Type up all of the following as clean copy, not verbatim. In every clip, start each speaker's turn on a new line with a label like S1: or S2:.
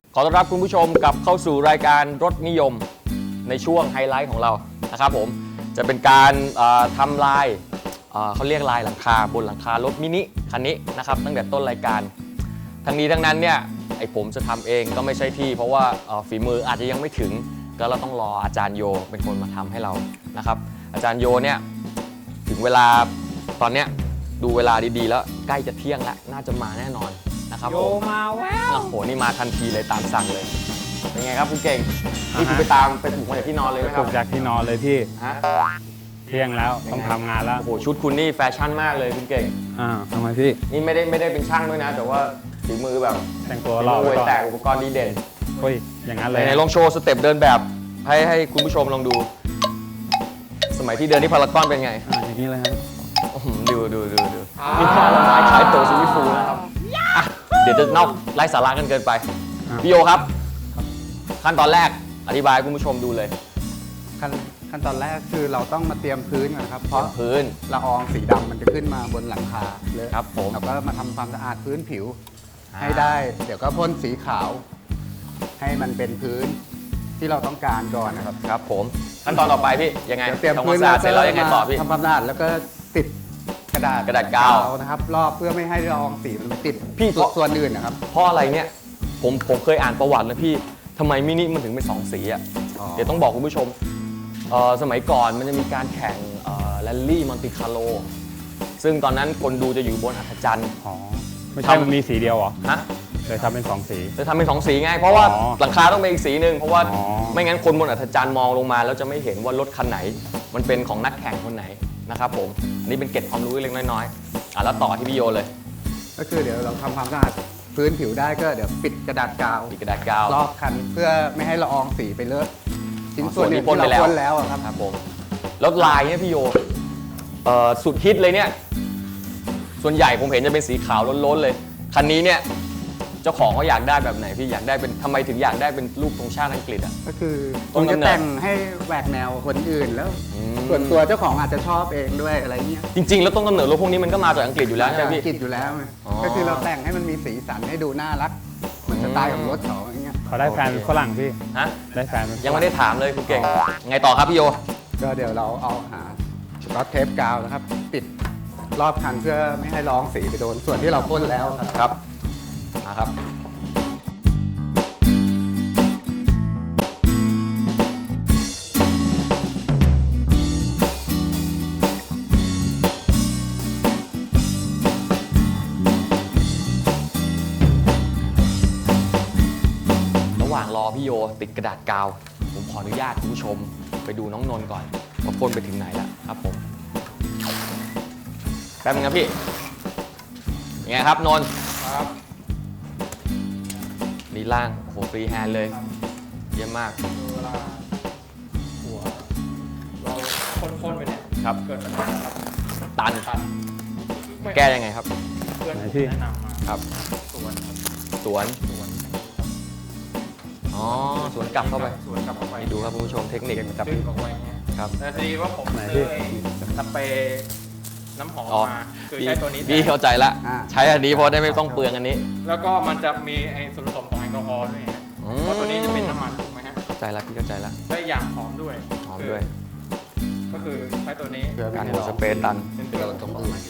S1: ขอต้อนรับคุณผู้ชมกลับเข้าสู่รายการรถนิยมในช่วงไฮไลท์ของเรานะครับผมจะเป็นการทำลายเขาเรียกลายหลังคาบนหลังคารถมินิคันนี้นะครับตั้งแต่ต้นรายการทั้งนี้ทั้งนั้นเนี่ยไอผมจะทำเองก็ไม่ใช่ที่เพราะว่าฝีมืออาจจะยังไม่ถึงก็เราต้องรออาจารย์โยเป็นคนมาทำให้เรานะครับอาจารย์โยเนี่ยถึงเวลาตอนเนี้ยดูเวลาดีๆแล้วใกล้จะเที่ยงแล้วน่าจะมาแน่นอนนะครับโยมาแววโอ้โหนี่มาทันทีเลยตามสั่งเลยเป็นไงครับคุณเก่งนี่คุณไปปลุกมาจากที่นอนเลยไหมค
S2: ป
S1: รั
S2: ลุ
S1: บ
S2: กจากที่นอนเลยพี่
S1: ฮะ
S2: เที่ยงแล้วต้องทำงานแล้ว
S1: โอ้โหชุดคุณนี่แฟชั่นมากเลยคุณเก่ง
S2: ทำไมพี่
S1: นี่ไม่ได้เป็นช่างด้วยนะ แต่ว่าฝีมือแบบ
S2: แต่งตัว
S1: ฝี
S2: รอ
S1: มือ
S2: ไว้
S1: เวย
S2: ก่อน
S1: แตกอุปกรณ์ดีเด่น
S2: เฮ้ยอย่างนั้นเลย
S1: ในลองโชว์สเต็ปเดินแบบให้คุณผู้ชมลองดู สมัยที่เดินที่พารากอนเป็นไง
S2: อย่างนี้เลยฮะ
S1: ดูมีท่าละไม้คล้ายโตซูมิฟูนะครับอ่ะเดี๋ยวจะนอกไร้สาระกันเกินไปพี่โยครับขั้นตอนแรกอธิบายให้คุณผู้ชมดูเลย
S3: ขั้นตอนแรกคือเราต้องมาเตรียมพื้นก่อนนะครับ เพราะ
S1: พื้น
S3: ละอองสีดำมันจะขึ้นมาบนหลังคาเลย
S1: ครับผม
S3: เราก็มาทำความสะอาดพื้นผิว
S1: อ่า
S3: ให้ได้ เดี๋ยวก็พ่นสีขาว ให้มันเป็นพื้นที่เราต้องการก่อนนะครับ
S1: ครับผมขั้นตอนต่อไปพี่ยังไง
S3: เดี๋ยวเตรียม
S1: ทำค
S3: พื้
S1: วาน มสะอาดเสร็จแล้วยังไงต่อพี่
S3: ทำความสะอาดแล้วก็ติดกระดาษ
S1: กระดาษกาวพี่
S3: ส่วนอื่นนะครับ
S1: เพราะอะไรเนี่ยผมเคยอ่านประวัติแล้วพี่ทำไมมินิมันถึงเป็นสองสีอ่ะ
S3: อ๋อ
S1: เดี๋ยวต้องบอกคุณผู้ชมสมัยก่อนมันจะมีการแข่งแรลลี่มอนติคาร์โลซึ่งตอนนั้นคนดูจะอยู่บนอัศจรรย์
S2: อ๋อไม่ใช่มันมีสีเดียวเหรอ
S1: ฮะ
S2: เลยทำเป็น2 สี
S1: จะทำเป็นสองสีไง เพราะว่า
S2: อ๋อ
S1: หลังคาต้องเป็นอีกสีหนึ่งเพราะว่า
S2: อ๋อ
S1: ไม่งั้นคนบนอัศจรรย์มองลงมาแล้วจะไม่เห็นว่ารถคันไหน มันเป็นของนักแข่งคนไหนนะครับผมอันนี้เป็นเกร็ดความรู้เล็กน้อยๆแล้วต่อที่พี่โยเลย
S3: ก็คือเดี๋ยวเราทำความสะอาดพื้นผิวได้ก็เดี๋ยวปิดกระดาษกาว
S1: มีกระดาษกาว
S3: รอบคันเพื่อไม่ให้ละอองสีไปเลอะชิ้น
S1: อ๋อ
S3: ส่วน
S1: ส่วนที่
S3: อื่น
S1: พ่น
S3: ที่
S1: ไปแล้ว
S3: เราพ่นแล้วอะครับ
S1: ครับผมแล้วลายเนี่ยพี่โยสุดฮิตเลยเนี่ยส่วนใหญ่ผมเห็นจะเป็นสีขาวล้นๆเลยคันนี้เนี่ยเจ้าของเขาอยากได้แบบไหนพี่อยากได้เป็นทำไมถึงอยากได้เป็นรูปธงชาติอังกฤษอ่ะ
S3: ก็คือ
S1: ต้
S3: คุ
S1: น
S3: ณ
S1: กำ
S3: จะ
S1: เนิด
S3: แต่งให้แหวกแนวคนอื่นแล้ว
S1: อืม
S3: ส่วนตัวเจ้าของอาจจะชอบเองด้วยอะไรเงี้ย
S1: จริงๆ แล้วต้นกำเนิดรถพวกนี้มันก็มาจากอังกฤษอยู่แล้วใช่ไหม
S3: อั
S1: พี่
S3: งกฤษอยู่แล้วไง
S1: อ๋อ
S3: ก็คือเราแต่งให้มันมีสีสันให้ดูน่ารักเหมือนสไตล์ของรถเขาอย่างเงี้ย
S2: เขาได้แฟนเป็นฝรั่งพี่
S1: ฮะ
S2: ได้แฟนเป็นฝรั่
S1: ยังไม่ได้ถามเลยคุณเก่งไงต่อครับพี่โย
S3: ก็เดี๋ยวเราเอาหาสกอตเทปกาวนะครับปิดรอบคันเพื่อไม่ให้ละอองสีไปโดนส่วนที่เราพ่นแล้วครับ
S1: ครับมาครับระหว่างรอพี่โยติดกระดาษกาว ผมขออนุญาตคุณผู้ชมไปดูน้องนนท์ก่อนว่าพ่นไปถึงไหนแล้วครับผมแป๊บนึงครับพี่ยังไงครับนนท์
S4: ครับ
S1: นี่ล่างโอ้โหฟรีแฮนด์เลย เยี่ยมมาก
S4: เวลาหัวเราพ่นๆไปเนี่ย
S1: ครับ
S4: เกิดปัญหาครับ
S1: ตัน
S4: ตัน
S1: แก้ยังไงครับ
S4: เพื่อน
S2: ไหน
S4: ผม
S2: พี่
S4: แนะนำมา
S1: ครับ
S4: สวนครับ
S1: สวน
S4: สวน
S1: อ๋อสวนกลับเข้าไป
S4: สวนกลับเข้าไป
S1: นี่ดูครับคุณผู้ชมเทคนิค
S2: กับ
S4: ดึงออกไปเงี้ย
S1: ครับ
S4: แต่ทีนี้ว่าผม
S2: ไหน
S4: ซื้
S2: พี่
S4: อไอ้สเปรย์น้ำหอม
S1: อ๋อ
S4: มาคือ
S1: พี่
S4: ใช้ตัวนี้แท
S1: พี่
S4: น
S1: เข้าใจละ
S3: อ่า
S1: ใช้อันนี้เพราะได้ไม่ต้องเปลืองอันนี้
S4: แล้วก็มันจะมีไอ้ส่วนผสมของแอลกอฮอล์ด้วยฮะ
S1: อืม
S4: เพราะตัวนี้จะเป็นน้ำมันถูกไหมฮะ
S1: เข้าใจละพี่เข้าใจละ
S4: ได้อย่างหอมด้วย
S1: หอมด้วย
S4: ก็คือใช้ตัวนี้
S3: เพื่อไม่
S1: การ
S3: ให้
S1: หัว
S3: ละอ
S1: ส
S3: อง
S1: เปรย์ตัน
S4: เป็นตัวตรงนี้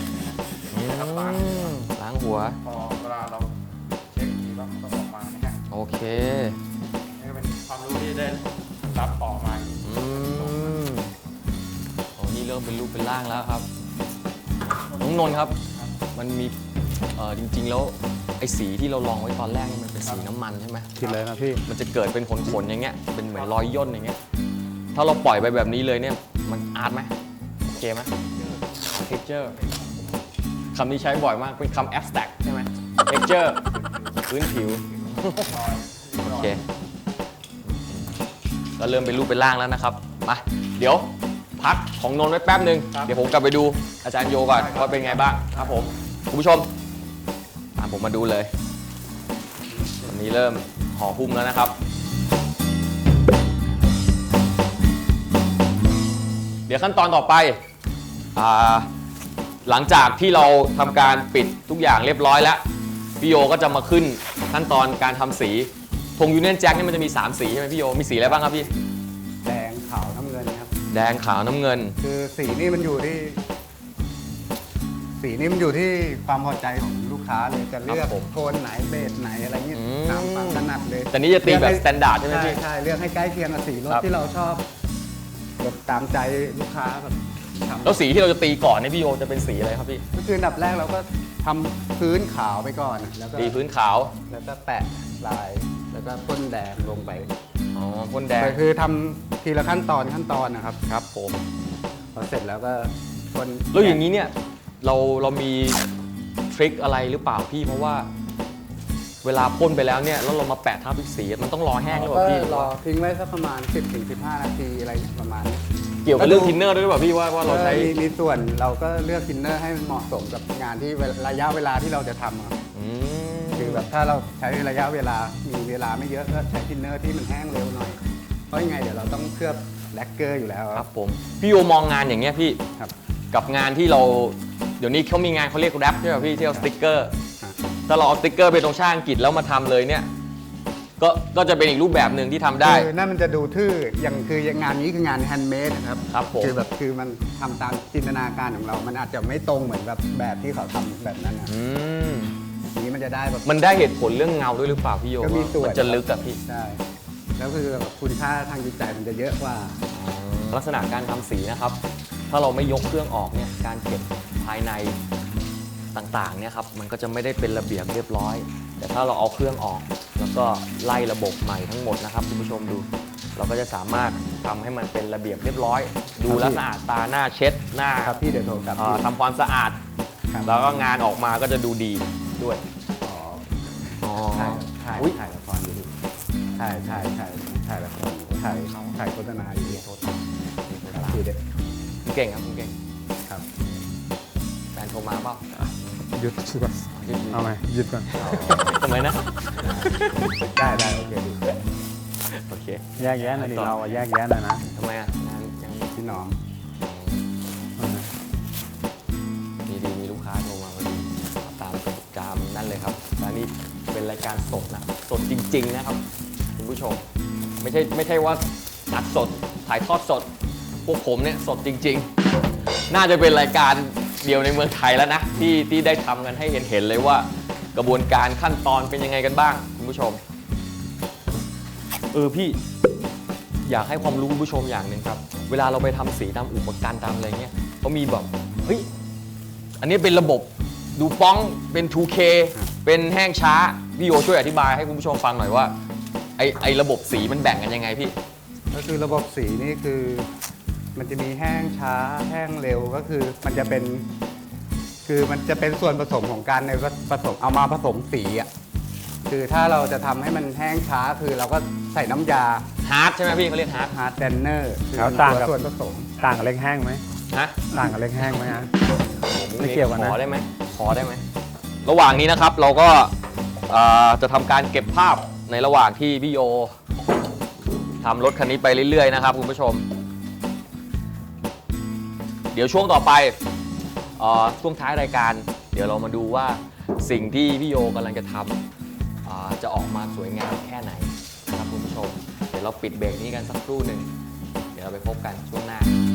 S1: ล้างหัว
S4: พอเวลาเราเช็คทีว่ามันก็ออกมานะฮะ
S1: โอเค
S4: นี่ก็เป็นความรู้ที่ได้รับต่อมา
S1: อืมโอ้นี่เริ่มเป็นรูปเป็นร่างแล้วครับน้องนนท์ครับ มันมีจริงๆแล้วไอ้สีที่เราลองไว้ตอนแรกนี่มันเป็นสีน้ำมันใช่ไหม
S2: คิดเลยนะพี่
S1: มันจะเกิดเป็นขนๆอย่างเงี้ย เป็นเหมือนรอยย่นอย่างเงี้ย ถ้าเราปล่อยไปแบบนี้เลยเนี่ย มันอาร์ตไหมโอเคไหม texture คำนี้ใช้บ่อยมาก เป็นคำ abstract ใช่ไหม texture พื้นผิว โอเค ก็เริ่มเป็นรูปเป็นร่างแล้วนะครับ มา เดี๋ยวพักของนนท์ไว้แป๊บหนึ่ง เดี๋ยวผมกลับไปดูอาจารย์โยก่อนว่าเป็นไงบ้างครับผม คุณผู้ชม ตามผมมาดูเลยวันนี้เริ่มห่อหุ้มแล้วนะครับ เดี๋ยวขั้นตอนต่อไปหลังจากที่เราทำการปิดทุกอย่างเรียบร้อยแล้วพี่โยก็จะมาขึ้นขั้นตอนการทำสีธงยูเนียนแจ็คนี่มันจะมี 3 สีใช่ไหมพี่โยมีสีอะไรบ้างครับพี่
S3: แดงขาวน้ำเงินครับ
S1: แดงขาวน้ำเงิน
S3: คือสีนี่มันอยู่ที่ สีนี่มันอยู่ที่ความพอใจของลูกค้าเลยจะเลือกโทนไหนเบสไหนอะไรเงี้ยตามความถนัดเลย
S1: แต่นี้จะตีแบบสแตนดาร์ดใช่ไหม
S3: ใช่
S1: พี่
S3: ใช่เลือกให้ใกล้เคียงกับสีรถ
S1: ครับ
S3: ที่เราชอบแบบตามใจลูกค้าแบบทำ
S1: แล้วสีที่เราจะตีก่อนเนี่ยพี่โยจะเป็นสีอะไรครับพี่
S3: ก็คืออันดับแรกเราก็ทำพื้นขาวไปก่อนแล้วก็
S1: ตีพื้นขาว
S3: แล้วก็แปะลายแล้วก็พ่นแดงลงไป
S1: อ๋อพ่นแดง
S3: แต่คือทำทีละขั้นตอนนะครับ
S1: ครับผม
S3: พอเสร็จแล้วก็พ่น
S1: แล้วอย่างนี้เนี่ยเรามีทริคอะไรหรือเปล่าพี่เพราะว่า เวลาพ่นไปแล้วเนี่ยแล้วเรามาแปะทับอีกสีมันต้องรอแห้งหรือเป
S3: ก็
S1: ล่าพี่
S3: รอทิ้งไว้สักประมาณ 10-15 นาทีอะไรประมาณนี้
S1: เกี่ยวกับเรื่องทินเนอร์ด้วยหรือเปล่าพี่ว่าเราใช้
S3: มีส่วนเราก็เลือกทินเนอร์ให้มันเหมาะสมกับงานที่ระยะเวลาที่เราจะทำอะ
S1: อืม
S3: คือแบบถ้าเราใช้ระยะเวลามีเวลาไม่เยอะก็ใช้ทินเนอร์ที่มันแห้งเร็วหน่อยเพราะยังไงเดี๋ยวเราต้องเคลือบแลกเกอร์อยู่แล้ว
S1: ครับผมพี่โยมองงานอย่างเงี้ยพี่
S3: ครับ
S1: กับงานที่เราเดี๋ยวนี้เขามีงานเขาเรียกแรปใช่ไหมพี่ที่เอาสติ๊กเกอร์
S3: ครับ
S1: ถ้าเราเอาสติ๊กเกอร์ไปตรงช่างอังกฤษแล้วมาทำเลยเนี่ยก็จะเป็นอีกรูปแบบหนึ่งที่ทำได้
S3: คือนั่นมันจะดูทื่ออย่างคืองานนี้คืองานแฮนด์เมดนะครับ
S1: ครับผม
S3: คือมันทำตามจินตนาการของเรา มันอาจจะไม่ตรงเหมือนแบบที่เขาทำแบบนั้นนะ
S1: อืม
S3: นี้มันจะได้แบบ
S1: มันได้เหตุผลเรื่องเงาด้วยหรือเปล่าพี่โย
S3: ก็มีส่วน
S1: มันจะลึกอะพี่
S3: ใช่แล้วคือแบบคุณค่าทางจิตใจมันจะเยอะกว่า
S1: ลักษณะการทำสีนะครับ ถ้าเราไม่ยกเครื่องออกเนี่ยการเก็บภายในต่างๆเนี่ยครับมันก็จะไม่ได้เป็นระเบียบเรียบร้อย แต่ถ้าเราเอาเครื่องออก แล้วก็ไล่ระบบใหม่ทั้งหมดนะครับคุณผู้ชมดู เราก็จะสามารถทำให้มันเป็นระเบียบเรียบร้อย ดูแลวสะอาดตาหน้าเช็ดหน้า
S3: ครับพี่เดี๋ยวโทรกลับ
S1: ทำความสะอาด
S3: ครับ
S1: แล้วก็งานออกมาก็จะดูดีด้วย
S3: อ๋อ
S1: อ๋อ
S3: ถ่าย
S1: อุ๊ย
S3: ถ่ายละครอยู่ดิถ่ายละครอยู่ถ่ายโฆษณาอยู่ดิครับพี่เด็ก
S1: คุณเก่งครับคุณเก่ง
S3: ครับ
S1: แฟนโทรมาเปล่า
S2: หยุดก่อนเอาไหมหยุดก่อน
S1: ทำไมนะ
S3: ได้โอเคดี
S1: โอเค
S2: แยกแยะหน่อยดิเราอะแยกแยะหน่อยนะ
S1: ทำไมอ่ะงานยัง
S3: พี่น้อง
S1: ดีมีลูกค้าโทรมาพอดีตามนั่นเลยครับและนี่เป็นรายการสดนะสดจริง ๆ นะครับคุณผู้ชมไม่ใช่ว่าอัดสดถ่ายทอดสด พวกผมเนี่ยสดจริง ๆ น่าจะเป็นรายการเดียวในเมืองไทยแล้วนะที่ได้ทำกันให้เห็นเลยว่ากระบวนการขั้นตอนเป็นยังไงกันบ้างคุณผู้ชมพี่อยากให้ความรู้คุณผู้ชมอย่างหนึ่งครับเวลาเราไปทำสีตามอุปกรณ์ตามอะไรเงี้ยเขามีแบบเฮ้ยอันนี้เป็นระบบดูป้องเป็น 2K เป็นแห้งช้าพี่โยช่วยอธิบายให้คุณผู้ชมฟังหน่อยว่าไอระบบสีมันแบ่งกันยังไงพี่
S3: ก็คือระบบสีนี่คือมันจะมีแห้งช้าแห้งเร็วก็คือมันจะเป็นส่วนผสมของการในผสมเอามาผสมสีอ่ะคือถ้าเราจะทำให้มันแห้งช้าคือเราก็ใส่น้ำยา
S1: ฮาร์ดใช่ไหมพี่เขาเรียกฮาร์ด
S3: ฮาร์ดแดนเนอร์คือ
S2: แล้ว
S3: มัน
S2: ต่าง
S3: ตัว
S2: กับ
S3: ส่วนผสม
S2: ต่างกับเล็กแห้งไหม
S1: ฮะ
S2: ต่างกับเล็กแห้งไหมฮะ ไม่เกี่ยวกันนะ
S1: ขอได้ไหมระหว่างนี้นะครับเราก็จะทำการเก็บภาพในระหว่างที่พี่โยทำรถคันนี้ไปเรื่อยๆนะครับคุณผู้ชม เดี๋ยวช่วงต่อไปช่วงท้ายรายการ เดี๋ยวเรามาดูว่าสิ่งที่พี่โยกำลังจะทำจะออกมาสวยงามแค่ไหนนะครับคุณผู้ชม เดี๋ยวเราปิดเบรกนี้กันสักครู่หนึ่งเดี๋ยวเราไปพบกันช่วงหน้า